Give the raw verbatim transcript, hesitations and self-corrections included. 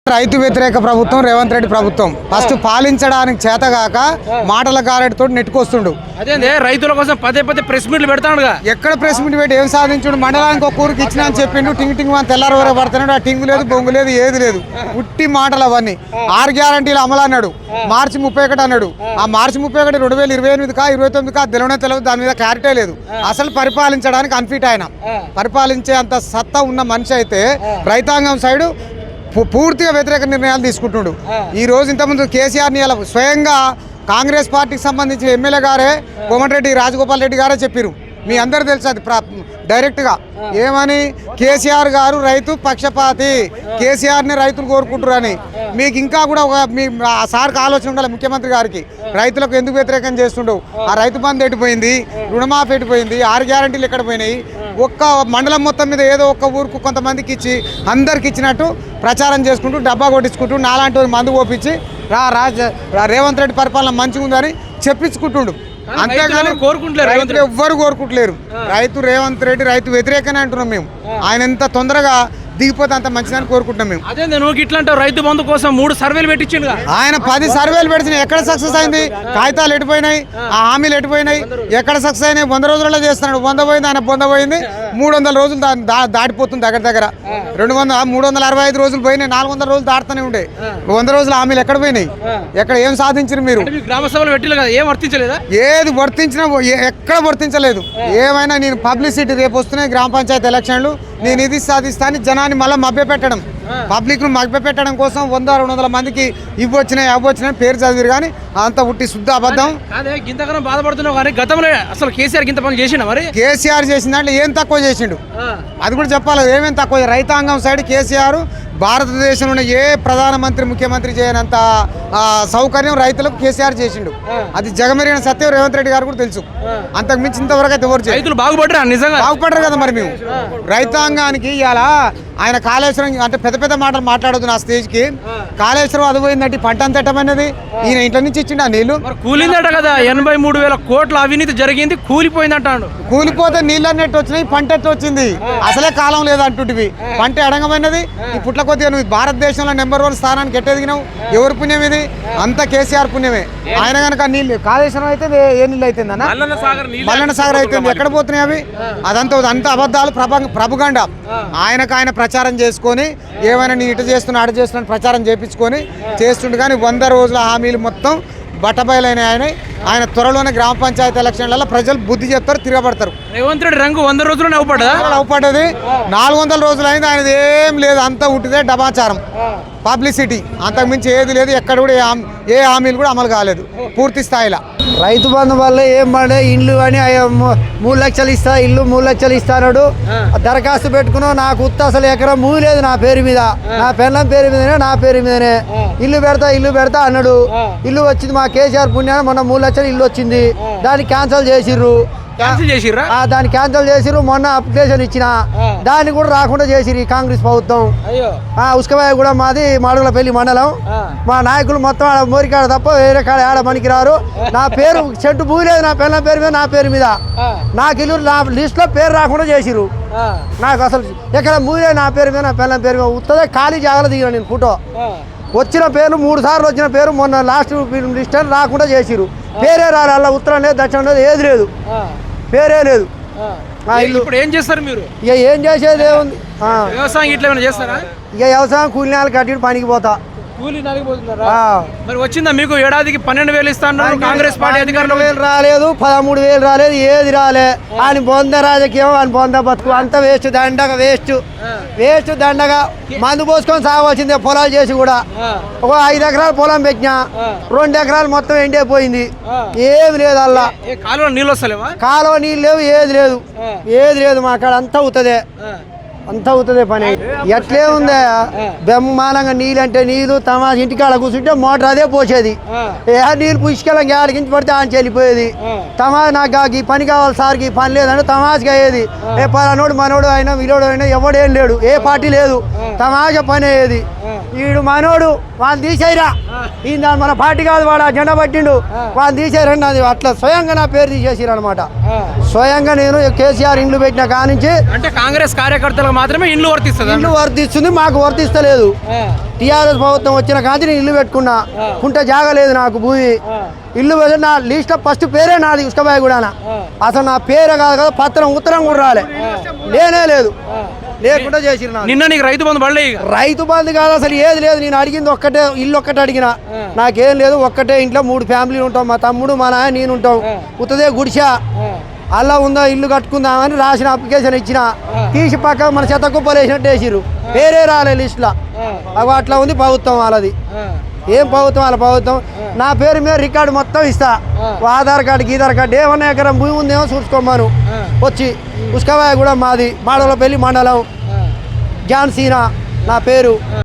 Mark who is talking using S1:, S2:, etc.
S1: రైతు వ్యతిరేక ప్రభుత్వం రేవంత్ రెడ్డి ప్రభుత్వం ఫస్ట్ పాలించడానికి చేతగాక మాటల గారెడితో నెట్టుకొస్తుండు.
S2: అదే రైతుల కోసం పదే పదే ప్రెస్ మీట్లు పెడతాడుగా.
S1: ఎక్కడ ప్రెస్ మీట్ పెట్టి ఏం సాధించుడు? మండలానికి ఒక ఊరికి ఇచ్చిన అని చెప్పిండు. టింగ్ టింగ్ అని తెల్లారు వరకు పడుతున్నాడు. ఆ టింగు లేదు, బొంగు లేదు, ఏది లేదు, ఉట్టి మాటలు అవన్నీ. ఆరు గ్యారంటీలు అమలు అన్నాడు, మార్చి ముప్పై ఒకటి అన్నాడు. ఆ మార్చి ముప్పై ఒకటి రెండు వేల ఇరవై ఎనిమిది కా ఇరవై తొమ్మిది కా తెలవనే తెలియదు. దాని మీద క్లారిటీ లేదు. అసలు పరిపాలించడానికి అన్ఫిట్ ఆయన. పరిపాలించే అంత సత్తా ఉన్న మనిషి అయితే రైతాంగం సైడు పూర్తిగా వ్యతిరేక నిర్ణయాలు తీసుకుంటున్నాడు. ఈ రోజు ఇంతకుముందు కేసీఆర్ని ఇలా స్వయంగా కాంగ్రెస్ పార్టీకి సంబంధించిన ఎమ్మెల్యే గారే కోమటిరెడ్డి రాజగోపాల్ రెడ్డి గారే చెప్పారు. మీ అందరు తెలుసు అది డైరెక్ట్గా ఏమని, కేసీఆర్ గారు రైతు పక్షపాతి, కేసీఆర్ని రైతులు కోరుకుంటారు అని. మీకు ఇంకా కూడా ఒక మీ ఆ సార్కి ఆలోచన ఉండాలి ముఖ్యమంత్రి గారికి. రైతులకు ఎందుకు వ్యతిరేకం చేస్తుండవు? ఆ రైతు బంధు ఎట్టిపోయింది, రుణమాఫీ ఎట్టిపోయింది, ఆరు గ్యారంటీలు ఎక్కడ పోయినాయి? ఒక్క మండలం మొత్తం మీద ఏదో ఒక్క ఊరుకు కొంతమందికి ఇచ్చి అందరికి ఇచ్చినట్టు ప్రచారం చేసుకుంటూ డబ్బా కొట్టించుకుంటూ నాలాంటి మందు ఓపించి రా రాజ రేవంత్ రెడ్డి పరిపాలన మంచిగా ఉందని చెప్పించుకుంటుండు. అంతేగాని కోరుకుంటలేరు, ఎవ్వరు కోరుకుంటలేరు. రైతు రేవంత్ రెడ్డి రైతు వ్యతిరేకనే అంటున్నాం మేము. ఆయన ఎంత తొందరగా దిగిపోతే అంత మంచిదని కోరుకుంటున్నాం మేము.
S2: అదే నువ్వు ఇట్లా అంటావు, రైతు బంధు కోసం మూడు సర్వేలు పెట్టించిండు.
S1: ఆయన పది సర్వేలు పెట్టిన ఎక్కడ సక్సెస్ అయింది? కాగితాలు ఎట్టిపోయినాయి, ఆ హామీలు ఎట్టిపోయినాయి, ఎక్కడ సక్సెస్ అయినాయి? వంద రోజులలో చేస్తున్నాడు. వంద పోయింది, ఆయన పొంద పోయింది. మూడు వందల రోజులు దాటిపోతుంది దగ్గర దగ్గర. రెండు వందల మూడు వందల అరవై ఐదు రోజులు పోయినాయి. నాలుగు వందల రోజులు దాటుతూనే ఉండే. వంద రోజుల హామీలు ఎక్కడ పోయినాయి? ఎక్కడ ఏం సాధించారు మీరు?
S2: గ్రామ సభలు పెట్టిలు కదా, ఏం వర్తించలేదా?
S1: ఏది వర్తించినా ఎక్కడ వర్తించలేదు. ఏమైనా నేను పబ్లిసిటీ రేపు వస్తున్నాయి గ్రామ పంచాయతీ ఎలక్షన్లు, నేను ఇది సాధిస్తాను జనాన్ని మళ్ళీ మభ్య పెట్టడం, పబ్లిక్ ను మభ్య పెట్టడం కోసం వంద రెండు వందల మందికి ఇవి వచ్చినాయి అవి వచ్చినాయి పేరు చదివారు. కానీ అంత ఉట్టి శుద్ధ అబద్ధం.
S2: ఇంతకన్నా బాధపడుతున్నావు కానీ గతంలో అసలు కేసీఆర్ ఇంత పని చేసిండు. మరి కేసీఆర్
S1: చేసిన దాంట్లో ఏం తక్కువ చేసిండు అది కూడా చెప్పాలి. ఏమేమి తక్కువ? రైతాంగం సైడ్ కేసీఆర్ భారతదేశంలో ఏ ప్రధానమంత్రి ముఖ్యమంత్రి చేయనంత సౌకర్యం రైతులకు కేసీఆర్ చేసిండు. అది జగమెరిగిన సత్యం రేవంత్ రెడ్డి గారు కూడా తెలుసు. అంతకు మించి ఇంతవరకు అయితే ఎవరు
S2: రైతులు బాగుపడరా? నిజంగా బాగుపడరు
S1: కదా. మరి మేము రైతాంగానికి ఇలా ఆయన కాళేశ్వరం అంటే పెద్ద పెద్ద మాటలు మాట్లాడదు నా స్టేజ్ కి. కాళేశ్వరం అది పోయిందంటే పంట అంత ఎట్టమన్నది ఈయన ఇంట్లో నుంచి ఇచ్చిండు. ఆ నీళ్లు
S2: కూలిందట కదా, ఎనభై మూడు వేల కోట్ల అవినీతి జరిగింది, కూలిపోయిందంటాడు.
S1: కూలిపోతే నీళ్ళు అన్నట్టు వచ్చినాయి, పంట ఎట్టు వచ్చింది? అసలే కాలం లేదంటుంటివి. పంట ఎడంగమైనది. ఈ పుట్ల కొద్దిగా నువ్వు భారతదేశంలో నెంబర్ వన్ స్థానానికి ఎట్టెదిగినావు. ఎవరి పుణ్యం ఇది? అంతా కేసీఆర్ పుణ్యమే. ఆయన కనుక నీళ్ళు కాళేశ్వరం అయితే ఏ నీళ్ళు అవుతుంది అన్న? మల్లన్న సాగర్ అవుతుంది. ఎక్కడ పోతున్నాయి అవి? అదంతా అంత అబద్ధాలు, ప్రభుగండ. ఆయనకు ఆయన ప్రచారం చేసుకొని ఏమైనా నీ ఇటు చేస్తున్నా అటు చేస్తున్నా ప్రచారం చేయించుకొని చేస్తుండే. కానీ వంద రోజుల హామీలు మొత్తం బట్టబయలైన ఆయన ఆయన త్వరలోనే గ్రామ పంచాయతీ ఎలక్షన్లలో ప్రజలు బుద్ధి చెప్తారు, తిరగబడతారు.
S2: రేవంత్ రెడ్డి రంగు వంద రోజులు నవ్వుపడ్డా
S1: నవ్వుపడ్డది. నాలుగు వందల రోజులు అయింది. ఆయనది ఏం లేదు, అంతా ఉట్టిదే డమాచారం, పబ్లిసిటీ, అంతకుమించి ఏది లేదు. ఎక్కడ కూడా ఏ హామీలు కూడా అమలు కాలేదు పూర్తి స్థాయిలో.
S3: రైతు బంధు వల్ల ఏం పడే ఇండ్లు అని మూడు లక్షలు ఇస్తా ఇల్లు మూడు లక్షలు ఇస్తాడు. దరఖాస్తు పెట్టుకున్నావు, నాకు ఉత్త అసలు ఎకరం మూడు లేదు నా పేరు మీద, నా పెళ్ళం పేరు మీదనే నా పేరు మీదనే ఇల్లు పెడతా ఇల్లు పెడతా అన్నాడు. ఇల్లు వచ్చింది మా కేసీఆర్ పుణ్యాన్ని, మొన్న మూడు లక్షలు ఇల్లు వచ్చింది. దాన్ని క్యాన్సిల్ చేసిర్రు దాన్ని క్యాన్సిల్ చేసిర్రు మొన్న అప్లికేషన్ ఇచ్చిన దాన్ని కూడా రాకుండా చేసిర్రు ఈ కాంగ్రెస్ ప్రభుత్వం. ఉస్కబాయ్ కూడా మాది మాడుగులపల్లి మండలం. మా నాయకులు మొత్తం ఆడ మోరికాడ తప్ప వేరే కాడ ఆడ పనికి రారు. నా పేరు చెట్టు పూలేదు, నా పిల్లల పేరు మీద నా పేరు మీద నాకు ఇల్లు నా లిస్ట్ లో పేరు రాకుండా చేసిర్రు. నాకు అసలు ఎక్కడ మూలే నా పేరు మీద నా పిల్లల పేరు మీద ఉత్తదే ఖాళీ జాగ్రత్త దిగిన నేను ఫోటో. వచ్చిన పేరు మూడు సార్లు వచ్చిన పేరు మొన్న లాస్ట్ లిస్ట్ రాకుండా చేసిర్రు. పేరే రాలే, అలా ఉత్తరం లేదు దక్షిణం లేదు ఏది లేదు, పేరే లేదు.
S2: ఇప్పుడు ఏం చేస్తారు మీరు?
S3: ఇక ఏం చేసేది ఏముంది,
S2: వ్యవసాయం ఇట్లా ఏమైనా చేస్తారా?
S3: ఇక వ్యవసాయం కూలి నెలలు కట్టి పనికి పోతా.
S2: కూలి నలిగిపోతున్నారా? మరి వచ్చిందా మీకు ఏడాదికి పన్నెండు వేలు ఇస్తాను కాంగ్రెస్ పార్టీ అధికారంలో?
S3: వేలు రాలేదు, పదమూడు వేలు రాలేదు, ఏది రాలే. ఆయన పొంద రాజకీయం ఆయన పొంద బతుకు అంత వేస్ట్, దండగా వేస్ట్ వేస్ట్ దండగా. మందు పోసుకొని సాగవలసిందే పొలాలు చేసి కూడా. ఒక ఐదు ఎకరాలు పొలం పెట్టినా రెండు ఎకరాలు మొత్తం ఎండిపోయింది, ఏమి లేదు. అల్లా
S2: కాలువ నీళ్ళు వస్తలేవా?
S3: కాలువ నీళ్ళు లేవు, ఏది లేదు ఏది లేదు. మా కాడ అంతా అవుతుంది అంత అవుతుంది పని. ఎట్లే ఉందా బ్రహ్మాండంగా నీళ్ళు అంటే నీళ్ళు తమ ఇంటికాడ కూర్చుంటే మోటార్ అదే పోసేది. ఏ నీళ్ళు పుష్కలం గాలికించి పడితే ఆయన చెల్లిపోయేది. తమా నాకు ఈ పని కావాలి సార్కి ఈ పని లేదంటే తమాషగా అయ్యేది. ఏ పలానోడు మనోడు అయినా విలోడు అయినా ఎవడేం లేడు, ఏ పార్టీ లేదు, తమాష పని అయ్యేది. వీడు మనోడు వాళ్ళు తీసేయరా, ఈయన మన పార్టీ కాదు వాడు ఆ జెండా పట్టిండు వాళ్ళు తీసేయరండి. అది అట్లా స్వయంగా నా పేరు తీసేసారు అనమాట. స్వయంగా నేను కేసీఆర్ ఇండ్లు పెట్టిన కానించి
S2: అంటే కాంగ్రెస్ కార్యకర్తలకు మాత్రమే ఇండ్లు వర్తిస్తుంది.
S3: ఇల్లు వర్తిస్తుంది, మాకు వర్తిస్తలేదు. టీఆర్ఎస్ ప్రభుత్వం వచ్చిన కాంచి నేను ఇల్లు పెట్టుకున్నా, కుంట జాగలేదు నాకు భూమి. ఇల్లు పెడితే నా లిస్ట్ ఫస్ట్ పేరే నాది ఉస్కబాయి కూడా. అసలు నా పేరే కాదు కదా, పత్రం ఉత్తరం కూడా రాలే, లేనే లేదు, లేకుండా చేసిరు.
S2: నిన్న నీకు రైతు బంధు పడలే?
S3: రైతు బంధు కాదు, అసలు ఏది లేదు. నేను అడిగింది ఒక్కటే, ఇల్లు ఒక్కటే అడిగిన, నాకేం లేదు. ఒక్కటే ఇంట్లో మూడు ఫ్యామిలీలు ఉంటాం, మా తమ్ముడు మా నాయన నేను ఉంటాం. ఉత్తదే గుడిసా అలా ఉందా, ఇల్లు కట్టుకుందామని రాసిన అప్లికేషన్ ఇచ్చిన, తీసి పక్క మన చెత్త కుప్పలు వేసినట్టు వేసిరు, పేరే రాలే లిస్టులో. అవి అట్లా ఉంది ప్రభుత్వం వాళ్ళది. ఏం ప్రభుత్వం వాళ్ళ ప్రభుత్వం. నా పేరు మీద రికార్డు మొత్తం ఇస్తా, ఆధార్ కార్డు గీధార్ కార్డు ఏమన్నా ఎకరం భూమి ఉందేమో చూసుకోమను వచ్చి. ఉస్కబాయి కూడా మాది, మాడవలపల్లి మండలం, జాన్సీనా నా పేరు.